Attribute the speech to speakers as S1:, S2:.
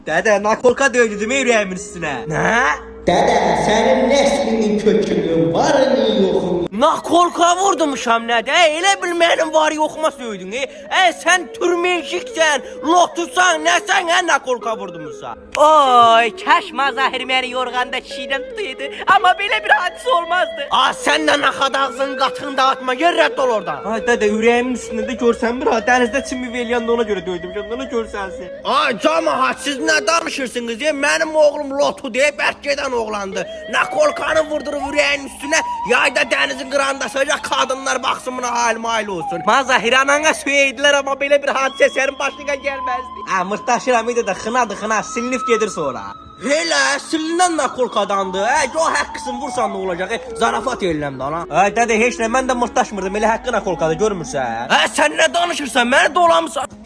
S1: Dədə, nakolka döydüm ürəyimin üstünə.
S2: Nə?
S3: Dede senin neslinin kökünün var mı yok mu?
S2: Nakolka vurdumuşam nədə? Elə bil mənim var yoxuma söydün. Sən türmenşiksən, lotusan, nəsən nakolka vurdumuşsan? Oy, kəş mazahir məni yorğanda şiirən tutuydu. Amma belə bir hadisə olmazdı. Sən də naxad ağzının qatını dağıtma, gör rədd ol oradan.
S1: Ay dədə, ürəyimin üstündə də görsən bir ha, dənizdə çimmi eləyəndə ona görə döydüm. Ona görsənsin.
S2: Ay camaat, siz nə danışırsınız? Mənim oğlum lotu deyib bərk gedən oğlandı. Nakolkanı vurdurub ürəyin üstünə, yayda dənizin qırağında səcək qadınlar baxsın buna halim olsun. Mazahir anana söydülər, amma belə bir hadisə sənin başına gəlməzdi.
S1: Mırtdaşıram idi də xınadı, silinib gedir sonra.
S2: Elə silinən nakolkadandı. O haqqısın vursan nə olacaq? Zarafat eləm də ana.
S1: Ay dədə, heç nə, mən də mırtdaşmırdım, elə haqqı nakolkada görmürsən.
S2: Sən nə danışırsan? Məni dolamısan.